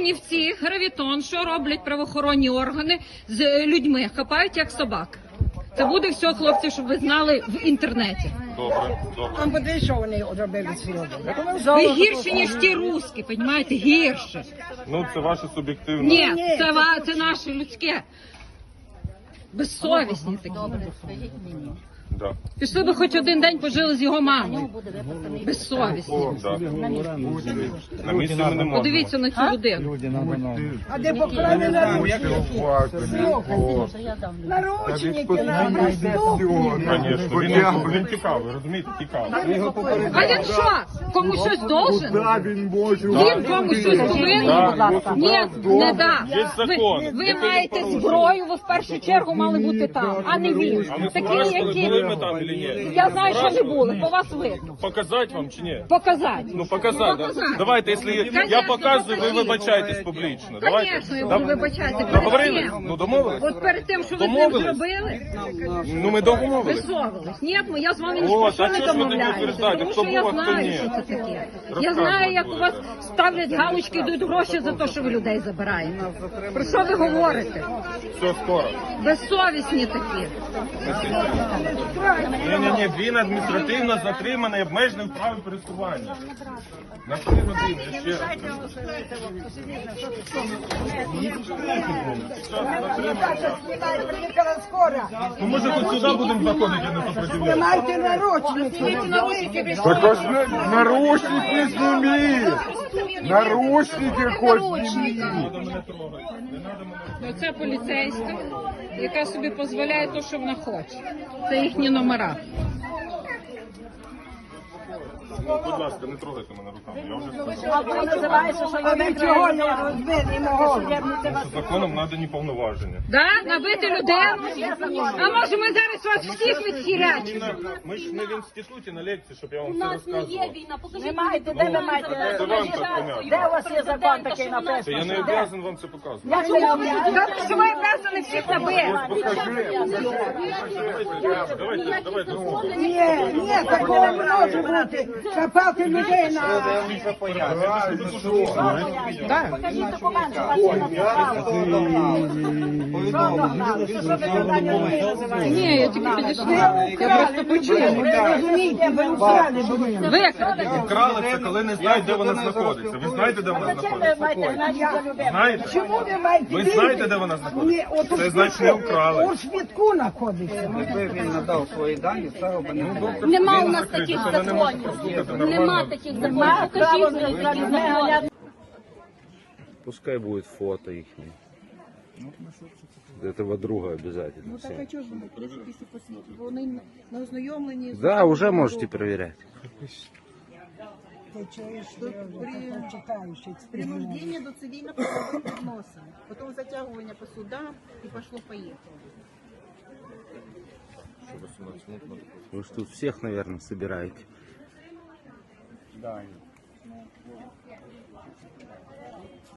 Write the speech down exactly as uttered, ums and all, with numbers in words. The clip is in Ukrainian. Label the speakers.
Speaker 1: Чернівці, гравітон, що роблять правоохоронні органи з людьми? Хапають як собак. Це буде все, хлопці, щоб ви знали в інтернеті.
Speaker 2: Добре, добре.
Speaker 3: А подивись, що вони зробили сьогодні.
Speaker 1: Ви гірші, ніж ті русські, розумієте, гірше.
Speaker 2: Ну, це ваше суб'єктивне.
Speaker 1: Ні, це, ва- це наше людське. Безсовісні такі.
Speaker 2: Да.
Speaker 1: Пішли би хоч один день пожили з його мамою. Безсовісні.
Speaker 2: О, да. На місці ми не можемо.
Speaker 1: Подивіться на цю людину.
Speaker 3: А де поклали наручники? Наручники нам.
Speaker 2: Звісно, він, він тікав, ви розумієте, тікав.
Speaker 1: А він що? Комусь щось должен? Він комусь щось повинен? Ні, не да.
Speaker 2: Є закон.
Speaker 1: Ви, ви маєте зброю, ви в першу чергу мали бути там, а не він.
Speaker 2: А ви
Speaker 1: Такі,
Speaker 2: спрашивали,
Speaker 1: які...
Speaker 2: були ми там чи ні?
Speaker 1: Я знаю, що не були, по вас видно.
Speaker 2: Показати вам чи ні?
Speaker 1: Показати.
Speaker 2: Ну, показати, да?
Speaker 1: Показати.
Speaker 2: Давайте, якщо я показую, ви вибачаєтесь публічно. Давайте.
Speaker 1: Звісно, я буду вибачати. Перед
Speaker 2: Договорились?
Speaker 1: тим.
Speaker 2: Ну, домовились?
Speaker 1: От перед тим, що ви з ним
Speaker 2: Домовились?
Speaker 1: зробили,
Speaker 2: Ну, ми домовились.
Speaker 1: висовувались. Ні, ну я з вами ні
Speaker 2: О,
Speaker 1: про що
Speaker 2: а
Speaker 1: не
Speaker 2: чого ж ви тоді
Speaker 1: домовляюся,
Speaker 2: утверждаєте,
Speaker 1: тому
Speaker 2: хто
Speaker 1: що я
Speaker 2: був, а хто
Speaker 1: знаю,
Speaker 2: ні?
Speaker 1: що це таке. Я
Speaker 2: Розказуйте,
Speaker 1: знаю, як у
Speaker 2: будь
Speaker 1: вас
Speaker 2: ласка.
Speaker 1: ставлять галочки, йдуть гроші за те, що ви людей забираєте. Про що ви говорите?
Speaker 2: Все, скоро.
Speaker 1: Безсовісні такі.
Speaker 2: Ні-ні-ні, він адміністративно затриманий, обмежений в праві пересування. На три години, я ще раз.
Speaker 3: Приїхала скоро.
Speaker 2: Ну, може, хоч сюди будемо заходити, а не сопротивлятися.
Speaker 3: Знімайте наручники.
Speaker 4: Так ось на- наручники сними! Наручники хоть сними!
Speaker 1: Оце поліцейська, яка собі дозволяє те, що вона хоче. Це їхні номера.
Speaker 2: Будь ласка, не трогайте мене руками, я вже сказав.
Speaker 3: А ви чого не розбили мого?
Speaker 2: Що законом надані повноваження.
Speaker 1: Да? Набити людину? А може ми зараз вас всіх відхірячимо?
Speaker 2: Ми ж не в інституті на лекції, щоб я вам все розказував.
Speaker 5: Ви маєте, де ви маєте?
Speaker 2: Це вам так понятно.
Speaker 5: Де у вас є закон такий
Speaker 2: Це
Speaker 5: написаний?
Speaker 2: я не обов'язаний вам це показувати.
Speaker 1: Так що ви обязані всіх набити?
Speaker 2: Давайте, давайте.
Speaker 3: Ні, ні, такого не може бути. Чапати людей на...
Speaker 5: Покажіть документи, у вас є на це право.
Speaker 1: Ні, я тільки підійшла. Я просто почула.
Speaker 3: Ви розумієте, ви вкрали будинок.
Speaker 1: Викрали.
Speaker 2: Вкрали це, коли не знають, де вона знаходиться. Ви знаєте, де вона
Speaker 5: Чим ви
Speaker 2: знаходиться?
Speaker 5: маєте знати за людей?
Speaker 2: Знаєте?
Speaker 3: Чому ви маєте
Speaker 2: Ви
Speaker 3: вірити?
Speaker 2: знаєте, де вона
Speaker 3: Ні,
Speaker 2: знаходиться?
Speaker 3: от у
Speaker 2: Це значить не
Speaker 3: швидку-
Speaker 2: вкрали.
Speaker 3: У швидку знаходиться.
Speaker 6: Якби він надав свої дані, це б не було.
Speaker 5: Нема у нас
Speaker 2: Закрито,
Speaker 5: таких
Speaker 2: це не може
Speaker 5: законів.
Speaker 2: прослухати
Speaker 5: Нема
Speaker 2: нормально.
Speaker 5: таких законів. Покажіть мені такі закони.
Speaker 7: Пускай будет фото их. Этого друга обязательно. всем.
Speaker 8: Вони на ознайомленні з
Speaker 7: Да, уже можете проверять.
Speaker 3: Ти чуєш, що я читаю, що це
Speaker 8: принуждення до цивільно-правових відносин, потім затягування по судам і пошло-поїхало.
Speaker 7: Вы ж тут всех, наверное, собираете.
Speaker 6: Да.